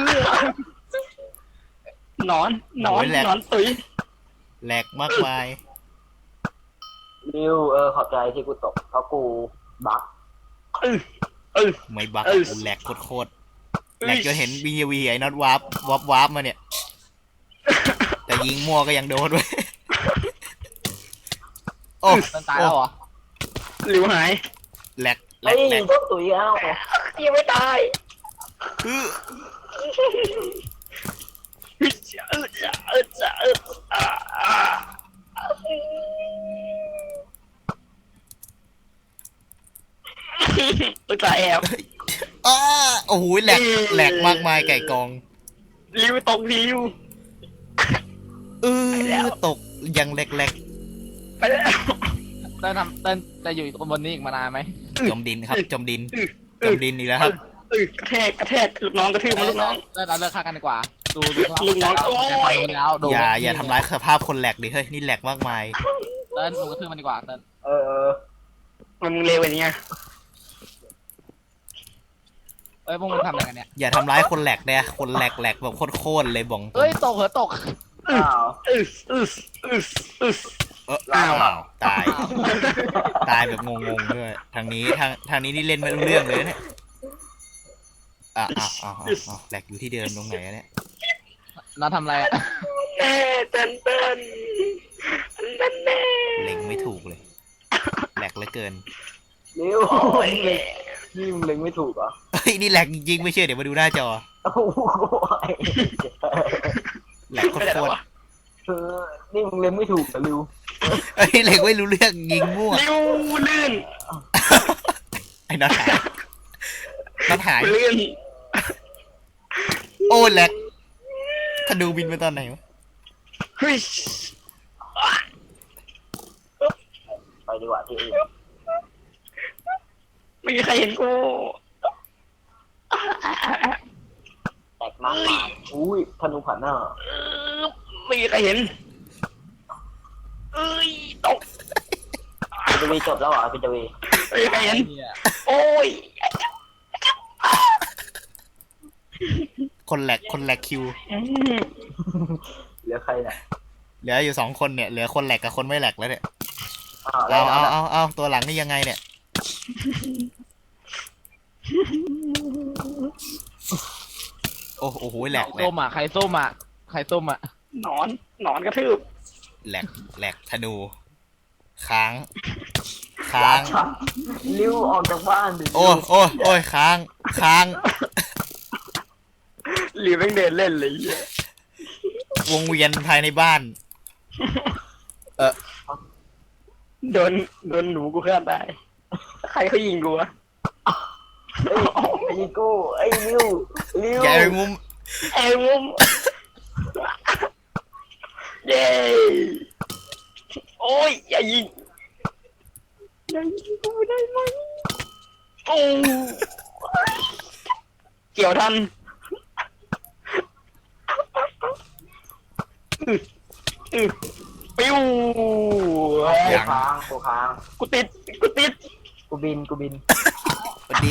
[SPEAKER 2] นอนนอนนอนตุ้ย
[SPEAKER 1] แหลกมากมาย
[SPEAKER 4] ริวเออขอบใจที่กูตกเพราะกูบัก
[SPEAKER 2] อือเออ
[SPEAKER 1] ไม่บัก
[SPEAKER 2] เออ
[SPEAKER 1] กูแหลกโคตรๆแหลกจนเห็นบีวีไอ้น็อตวาร์ปวาร์ปวาร์ปมาเนี่ย แต่ยิงมั่วก็ยังโดนเว้ยโอ้
[SPEAKER 3] เต้นตายแล้วเหรอ
[SPEAKER 2] หลิวหาย
[SPEAKER 1] แหลกแหล
[SPEAKER 4] เฮ้
[SPEAKER 1] ก
[SPEAKER 4] ย
[SPEAKER 1] แหลก
[SPEAKER 4] พวกตุ๋ยแล้ว
[SPEAKER 2] ยังไม่ตาย
[SPEAKER 1] คือ
[SPEAKER 2] อึดจะอึดจะอึดจะอึดอ่าอ่าตัวตาแอบ
[SPEAKER 1] อ้าโอ้โหแหลกแหลกมากมายไก่กอง
[SPEAKER 2] ริวตกริว
[SPEAKER 1] เออตกยังแหลกแหลก
[SPEAKER 2] ไปแล้ว
[SPEAKER 3] เต้นทำเต้นจะอยู่บนนี้อีกมานานไหม
[SPEAKER 1] จมดินครับจมดินจมดินอีกแล้วครับ
[SPEAKER 2] เออกระแทกกระแทกลูกน้องกระทืบมันลูกน้อง
[SPEAKER 3] เต้นเราเลิกฆ่ากันดีกว่า ดูดู
[SPEAKER 2] ลูกน้องโอ้ย
[SPEAKER 3] แล้วดู
[SPEAKER 1] อย่าอย่าทำร้ายสภาพคนแหลกดิเฮ้ยนี่แหลกมากมาย
[SPEAKER 3] เต้นดูกระทืบมันดีกว่าเต้น
[SPEAKER 4] เออเออ
[SPEAKER 2] มันมึงเลวอย่างเงี้ย
[SPEAKER 3] เอ้ยพวกมึงทำอะไรกันเนี่ย
[SPEAKER 1] อย่าทำร้ายคนแหลกเนี่ยคนแหลกแหลกแบบโคตรๆเลยบอง
[SPEAKER 3] เอ้ยตกเหรอตก
[SPEAKER 4] อ้าว
[SPEAKER 2] อึสอึสอึสอึส
[SPEAKER 1] เออ
[SPEAKER 2] อ้าว
[SPEAKER 1] อ้าวตาย ตายแบบงงๆด้วยทางนี้ทางทางนี้นี่เล่นไม่รู้เรื่องเลยเนี่ยอ่ะอ่ะอ่ะอ่ะอ่ะแหลกอยู่ที่เดิมตรงไหนอะเนี่ย
[SPEAKER 3] น้าทำอะไรอะ
[SPEAKER 2] แน่เต้นเต้นเต้นแน่
[SPEAKER 1] เล็งไม่ถูกเลยแหลกเหลือเกิน
[SPEAKER 4] ริว
[SPEAKER 2] โอ้ย
[SPEAKER 4] นี่มึงเล็งไม่ถูกเหรอ
[SPEAKER 1] เฮ้ยนี่แหลกจริงๆไม่เชื่อเดี๋ยวมาดูหน้าจอ
[SPEAKER 4] โอ้โห
[SPEAKER 1] แหลกโค
[SPEAKER 2] ไม่ได้
[SPEAKER 1] ต
[SPEAKER 2] แล้ว
[SPEAKER 1] ร
[SPEAKER 2] วะ
[SPEAKER 4] เออนี่มึงเล็งไม่ถูกเหรอริว
[SPEAKER 1] ๆเฮ้ยแหลกไม่รู้เรื่องยิงมั่ว
[SPEAKER 2] ริวลื่น
[SPEAKER 1] ไอ้น็อตหายน็อตหาย
[SPEAKER 2] ลื่น
[SPEAKER 1] โอ้แหลกธนูบินไปตอนไหนวะ
[SPEAKER 2] เฮ้ย
[SPEAKER 4] ดีกว่าที่อื่น
[SPEAKER 2] ไม่มีใครเห็นกู
[SPEAKER 4] แตกมากมายอุ้ยธนูผ่านหน้า
[SPEAKER 2] เออไม่มีใครเห็นเอ้ยตก
[SPEAKER 4] พีจวีจบแล้วเหรอพีจวี
[SPEAKER 2] ไม่มีใครเห็น
[SPEAKER 3] เนี่ย
[SPEAKER 2] โอ้ย
[SPEAKER 1] คนแหลกคนแหลกคิว
[SPEAKER 2] อืม
[SPEAKER 4] เหลือใครเนี่ย
[SPEAKER 1] เหลืออยู่สองคนเนี่ยเหลือคนแหลกกับคนไม่แหลกแล้วเนี่ย
[SPEAKER 4] อ้าวแล้
[SPEAKER 1] เอา
[SPEAKER 4] ว
[SPEAKER 1] เอาเอาเอาตัวหลังนี่ยังไงเนี่ยโอ้โอ้โหแหลกแหล
[SPEAKER 3] ส้
[SPEAKER 1] ก
[SPEAKER 3] มอ่ะใครส้มอ่ะใครส้มอ่ะ
[SPEAKER 2] หนอนหนอนกระทืบ
[SPEAKER 1] แหลกแหลกธนูค้างค้าง
[SPEAKER 4] ริ้วออกจากบ้านดิ
[SPEAKER 1] โอ้โอ้โอ้ยค้างค้าง
[SPEAKER 2] หรือแม่งเดินเล่นเลยเหี้ยว
[SPEAKER 1] งเวียนภายในบ้าน เออ
[SPEAKER 2] โดนโดนหนูกูฆ่าตายใครเขายิงกูวะ
[SPEAKER 4] เอ้ยไอ้กูไอ้ริ้วริ้ว
[SPEAKER 1] อย่าไปมุม
[SPEAKER 2] ไอ้มุมเย้โอ้ยอย่ายิงอย่ายิงกูได้ไหมโอ้เกี่ยวทันอื้ออื้อปิ้ว
[SPEAKER 4] โคค้างโคค้าง
[SPEAKER 2] กูติดกูติด
[SPEAKER 4] กูบินกูบิน
[SPEAKER 1] สวัสดี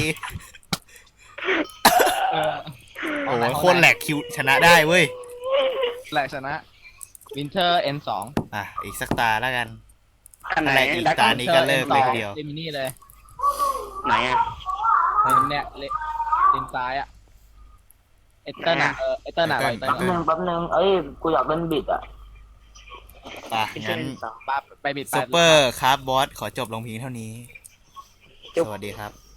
[SPEAKER 3] เออ
[SPEAKER 1] โอ้ยโคตรแหลกคิวชนะได้เว้ย
[SPEAKER 3] แหลกชนะวินเทอร์ เอ็น สอง
[SPEAKER 1] อ่ะอีกสักตาแล้วกัน
[SPEAKER 2] อันไหน
[SPEAKER 1] อะไรอีก
[SPEAKER 2] ดัก
[SPEAKER 1] ตานี้ก็เลิกเลยทีเดียว
[SPEAKER 3] เจมินี่เลย
[SPEAKER 2] ไหนอ่ะ
[SPEAKER 3] เนี่ยเลเลนซ้ายอ่ะเอเตอร์น่ะเออเอเตอร์น่ะ
[SPEAKER 1] เอ
[SPEAKER 3] เอ
[SPEAKER 1] เต
[SPEAKER 3] เต
[SPEAKER 1] อ
[SPEAKER 3] อ
[SPEAKER 1] ร์
[SPEAKER 3] ร์
[SPEAKER 4] แป๊บนึงแป๊บนึงเอ้ยกูอยากเล่นบิดอ่ะ
[SPEAKER 1] อ่ะงั้น
[SPEAKER 3] ปั๊บไปบิดไป
[SPEAKER 1] ซูเปอร์คาร์บบอสขอจบลงเพียงเท่านี้ สวัสดีครับ